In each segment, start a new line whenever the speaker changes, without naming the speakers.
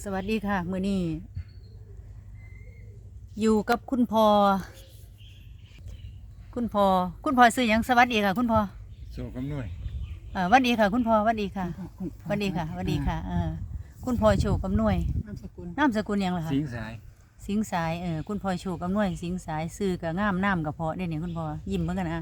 วัสดีค่ะมื้อนี้อยู่กับคุณพ่อซื้อหยังสวัสดีค่ะคุณพ่อ
โศกกำนวย
สวัสดีค่ะคุณพ่อสวัสดีค่ะสวัสดีค่ะสวัสดีค่ะคุณพ่อโชคกำนวยนามสกุลหยังล่ะคะ
สิงสาย
คุณพ่อโชคกำนวยสิงสายซื้อกับงามน้ำกับเพาะเด้เนี่ยคุณพ่อยิ้มเหมือนกันนะ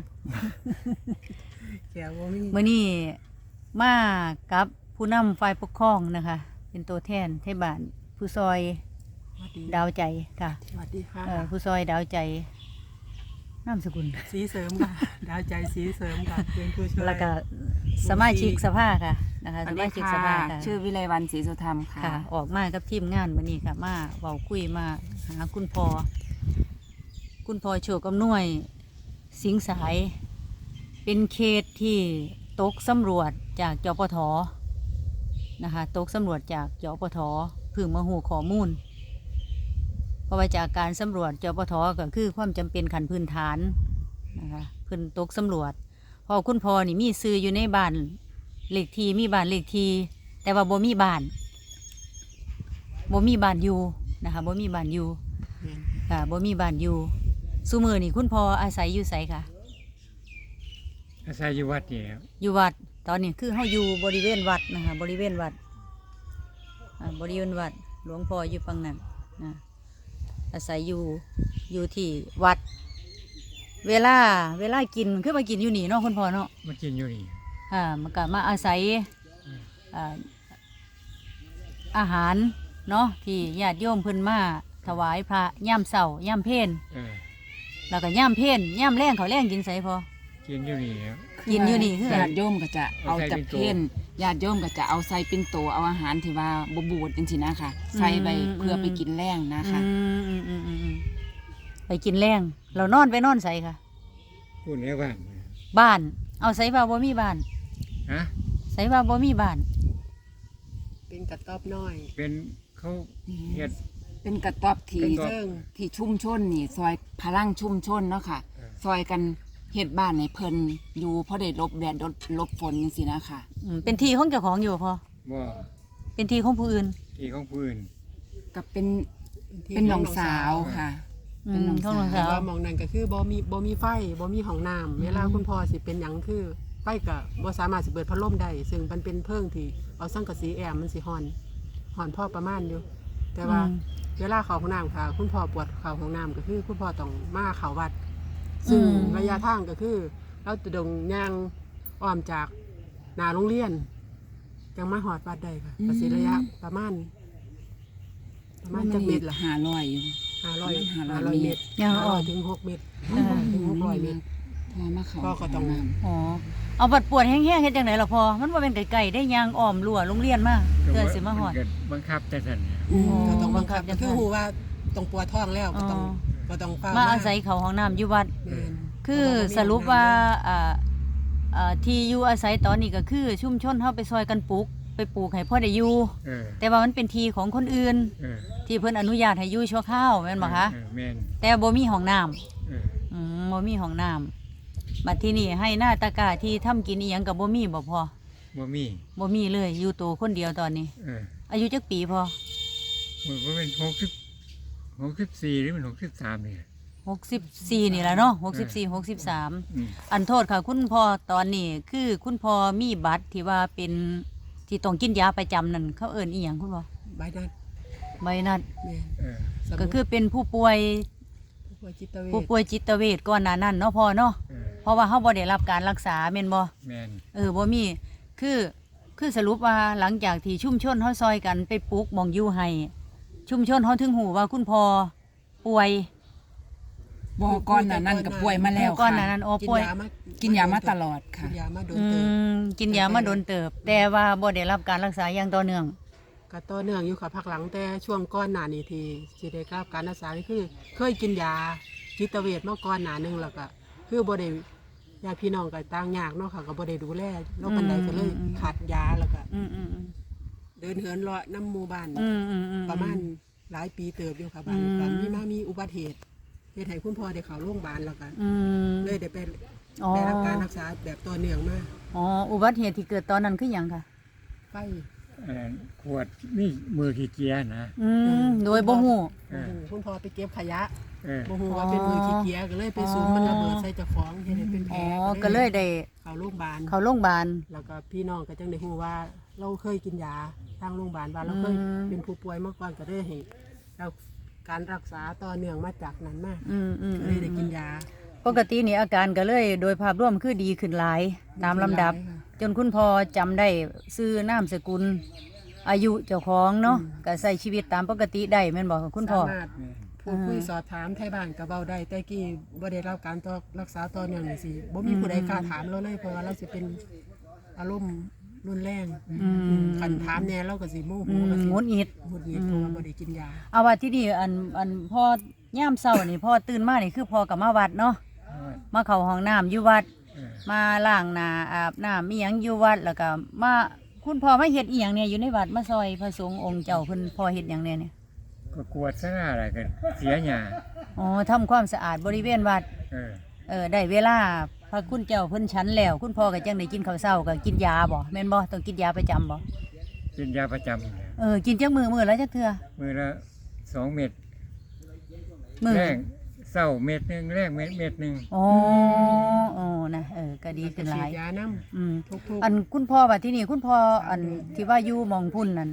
มื้อนี้มากับผู้นำฝ่ายปกครองนะคะเป็นตัวแทนเทศบาลผู้ซอยดาวใจค่ะ
สวัสดีค่ะ
ผู้ซอยดาวใจนามสกุล
สีเสริมค่ะ ดาวใจสีเสริมค่ะเป็นผู้ช่วย
แล้วก็สมาชิกสภาค่ะนะคะสมาชิกสภาค่ะ
ชื่อวิไลวรรณศรีสุธรรมค่ะ
ออกมากับทีมงานวันนี้ค่ะมาเว้าคุยมาหาคุณพ่อโชคกำนวยสิงสายเป็นเขตที่ตกสำรวจจากจปท.นะคะตกสำรวจจากจปท.เพิ่งมาหูข้อมูลเพราะว่าจากการสำรวจจปท.ก็คือความจำเป็นขั้นพื้นฐานนะคะเพิ่นตกสำรวจพอคุณพ่อนี่มีซื้ออยู่ในบ้านเลขที่มีบ้านเลขที่แต่ว่าบ่มีบ้านอยู่นะคะบ่มีบ้านอยู่ค่ะบ่มีบ้านอยู่ซุมื้อนี่คุณพ่ออาศัยอยู่ไสค่ะ
อาศัยอยู่วัดนี่ครับ
อยู่วัดตอนนี้คือเฮาอยู่บริเวณวัดนะคะบริเวณวัดหลวงพ่ออยู่ฝั่งนั้นนะอาศัยอยู่ที่วัดเวลากินคือมากินอยู่นี่เนาะคุณพ่อเนาะ
มากินอยู่นี่
มันก็มาอาศัยอาหารเนาะที่ญาติโยมเพิ่นมาถวายพระย่ามเช้าย่ามเพลแล้วก็ย่ามเพลย่ามแลงเขาแลงกินไสพอ
กินอยู่นี่ครับ
กินอยู่นี่คือ
ญาติโยมก็จะเอาจากเพลญาติโยมก็จะเอาใส่เป็นโตเอาอาหารที่ว่าบ่บูดจังซี่นะคะใส่ไปเพื่อไปกินแรงนะคะ
ไปกินแรงเรานอนไสค่ะ
พูดแล้ว
บ้านเอาไสว่าบ่มีบ้านไสว่าบ่มีบ้าน
เป็นกระต๊อบน้อย
เป็นเขาเฮ็ด
เป็นกระต๊อบที่ชุมชนนี่ซอยพลังชุมชนเนาะค่ะซอยกันเฮ็ดบ้านให้เพิ่นอยู่พอได้ลบแดดลบฝนจังซี่นะคะ
เป็นที่ของเจ้าของอยู่พอ
บ่
เป็นที่ของผู้อื่น
กับเป็นน้องสาวค่ะ
เป็นน้องสาว
ว่ามองนั่นก็คือบ่มีไฟบ่มีห้องน้ำเวลาคุณพ่อสิเป็นหยังคือไฟก็บ่สามารถสิเปิดพัดลมได้ซึ่งมันเป็นเพิ่งที่เอาสังกะสีแอมมันสิฮ้อนพอประมาณอยู่แต่ว่าเวลาเข้าห้องน้ำค่ะคุณพ่อปวดเข้าห้องน้ำก็คือคุณพ่อต้องมาเข้าวัดซึ่งระยะทางก็คือเราจะดงย่างอ้อมจากหน้าโรงเรียนจังมาหอดวัดได้ค่ะประสิทธิระยะประมาณจักเมตรละ
500อยู่
500 เมตร
ย่างอ้อม
ถึง6 เมตรถึง600 เมตรพ่อก็ต้อง
เอาบัดปวดแห้งๆเฮ็ดจังได๋ล่ะพ่อมันบ่เป็นไกลๆได้ย่างอ้อมรั้วโรงเรียนมาเพื่อสิมาฮอด
บังคับแต่ซั่น
ก็ต้องบังคับคือฮู้ว่าต้องปวดท้องแล้วก็ต้อง
มาอาศัยเข้าห้องน้ำอยู่วัดคือสรุปว่าที่อยู่อาศัยตอนนี้ก็คือชุมชนเฮาไปซอยกันปลูกให้พ่อได้อยู่แต่ว่ามันเป็นที่ของคนอื่นที่เพิ่นอนุญาตให้อยู่ชั่วคราวแม่นบ่คะ
แม่น
แต่บ่มีห้องน้ำบ่มีห้องน้ำบัดที่นี่ให้หน้าตากาที่ทำกินอีหยังก็บ่มีบ่พอ
บ่
มีเลยอยู่ตัวคนเดียวตอนนี้อายุจักปีพอ
มันก็เป็น64หรือมัน63นี่
64นี่แหละเนาะ63อันโทษค่ะคุณพ่อตอนนี้คือคุณพ่อมีบัตรที่ว่าเป็นที่ต้องกินยาประจำนั่นเขาเอิ้นอีหยังคุณพ่อ
ใบ
นัดก็คือเป็นผู้ป่วยจิตเวชก่อนหน้านั้นเนาะพ่อเนาะเพราะว่าเฮาบ่ได้รับการรักษาแม่นบ่บ่มีคือสรุปว่าหลังจากที่ชุมชนเฮาซอยกันไปปลูกหม่องอยู่ให้ชุมชนเฮาถึงหูว่าคุณพ่อป่วย
บ่ก่อนหน้านั้นก็ป่วยมาแล้วค่ะ
ก่อนหน้านั้นป่วย
กินยามาตลอดค่ะ
กินยามาโ
ดนเติบแต่ว่าบ่ได้รับการรักษาอย่างต่อเนื่อง
ก็ต่อเนื่องอยู่ค่ะพักหลังแต่ช่วงก่อนหน้านี้ที่สิได้รับการรักษาคือเคยกินยาจิตเวชมาก่อนหน้านึงแล้วก็คือบ่ได้ญาติพี่น้องก็ต่างยากเนาะค่ะก็บ่ได้ดูแลโรคปานใดก็เลยขาดยาแล้วก็เดินเหินเลาะน้ำหมู่บ้านประมาณหลายปีเติบอยู่ค่ะบ้านมีอุบัติเหตุเฮ็ดให้คุณพ่อได้เข้าโรงพยาบาลแล้วก็เลยได้รับการรักษาแบบต่อเนื่องมา
อุบัติเหตุที่เกิดตอนนั้นคือหยังค่ะ
ไฟ
ขวดนี่มือขี้เกียจนะ
โดยบ่ฮู้
เออ
คุณพ่อไปเก็บขยะ
เออ
บ่ฮู้ว่าเป็นมือขี้เกียจก็เลยไปสูงมันระเบิดใส่เจ้าของเฮ็ดให้เป็นแผล
อ๋อก็เลยได้
เข้าโรงพยาบาล
เข้าโรงพยาบาล
แล้วก็พี่น้องก็จังได้ฮู้ว่าเราเคยกินยาทางโรงพยาบาลว่าเราเคย
อืม
เป็นผู้ป่วยมาก่อนก็ได้ให้เราการรักษาต่อเนื่องมาจากนั้นมา
อืม
ก็เลยได้กินยา
ปกตินี่อาการก็เลยโดยภาพรวมคือดีขึ้นหลายตามลำดับ จนคุณพ่อจำได้ชื่อนามสกุล อายุเจ้าของเนาะก็ใช้ชีวิตตามปกติได้แม่นบอกคุณพ่อ
สามารถพูดคุยสอบถามไทยบ้านก็เว้าได้แต่กี้บ่ได้รับการรักษาต่อเนื่องนี่สิบ่มีผู้ใดกล้าถามเราเลยเพราะว่าเราสิเป็นอารมณ์รุนแรง คันถามแน่เราก็สิโมโหก็สิ
งุดหงิด
หงุดหงิดเพราะว่าบ่ได้กินยา
เอาว่าที่นี่อันพ่อย่ามเช้านี่พ่อตื่นมานี่คือพ่อกับมาวัดเนาะมาเข้าห้องน้ำอยู่วัด
เออ
มาล้างหน้าอาบน้ำมีหยังอยู่วัดแล้วก็มาคุณพ่อมาเฮ็ดอีหยังเนี่ยอยู่ในวัดมาซอยพระสงฆ์องค์เจ้าเพิ่นพ่อเฮ็ดหยังเนี่ย
ก็กวดซะอะไรกันเสียหยา
อ๋อทำความสะอาดบริเวณวัด
เออ
ได้เวลาพระคุณเจ้าเพิ่นฉันแล้ว คุณพ่อก็จังได้กินข้าวเช้าก็กินยาบ่แม่นบ่ต้องกินยาประจำบ่
เป็นยาประจำเนี่ย
กินจักมื้อละจักเทื่อ
มือละ2 เม็ด
มื้อ
แรงเศร้าเม็ดหนึงแรงเม็ดหนึง
อ๋อนะก็ดีขึ้นหลาย
ฉีดยาน้ำ
อืม
ทุก
อันคุณพ่อว่าที่นี่คุณพ่ออันที่ว่าอยู่หมองพุ่นนั่น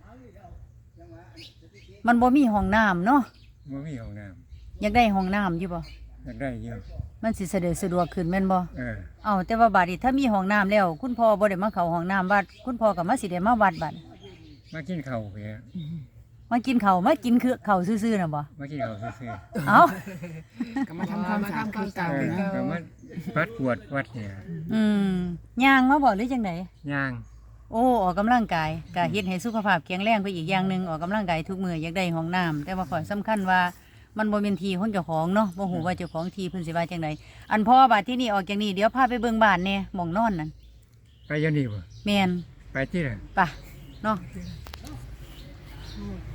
มันบ่มีห้องน้ำเนาะ
บ่มีห้องน้
อยากได้ห้องน้ำอยู่บ่
ำอยากได้เยอะ
มันสิสะดวกขึ้นแม่นบ่
เออ
เอาแต่ว่าบัดนี้ถ้ามีห้องน้ำแล้ว คุณพ่อบ่ได้มาเข้าห้องน้ำวัด คุณพ่อก็มาสิได้มาวัดบัด
มากินข้าวเพีย
มากินข้าวมากินคือข้าวซื่อๆน่ะบ่
มากินข้าวซื่อ
เอ้า
ก็มาทำความสะอาดคือ
ๆ
เก่า
เออ
เนาะ
ก็มาปัดกวดวัดเนี่ย
ย่างมาบ่หรือจังได
ย่าง
โอ้ออกกำลังกายก็เฮ็ดให้สุขภาพแข็งแรงไปอีกอย่างหนึงออกกำลังกายทุกมื้ออยากได้ห้องน้ำแต่ว่าข้อสำคัญว่ามันบ่แม่นที่ของเจ้าของเนาะบ่ฮู้ว่าเจ้าของที่เพิ่นสิว่าจังไดอันพ่อบัดที่นี่ออกจากนี่เดี๋ยวพาไปเบิ่งบ้านแหน่หม่องนอนนั่น
ไปอยันนี่บ่
แม่น
ไปที่ไหน
ไปเนาะ
เ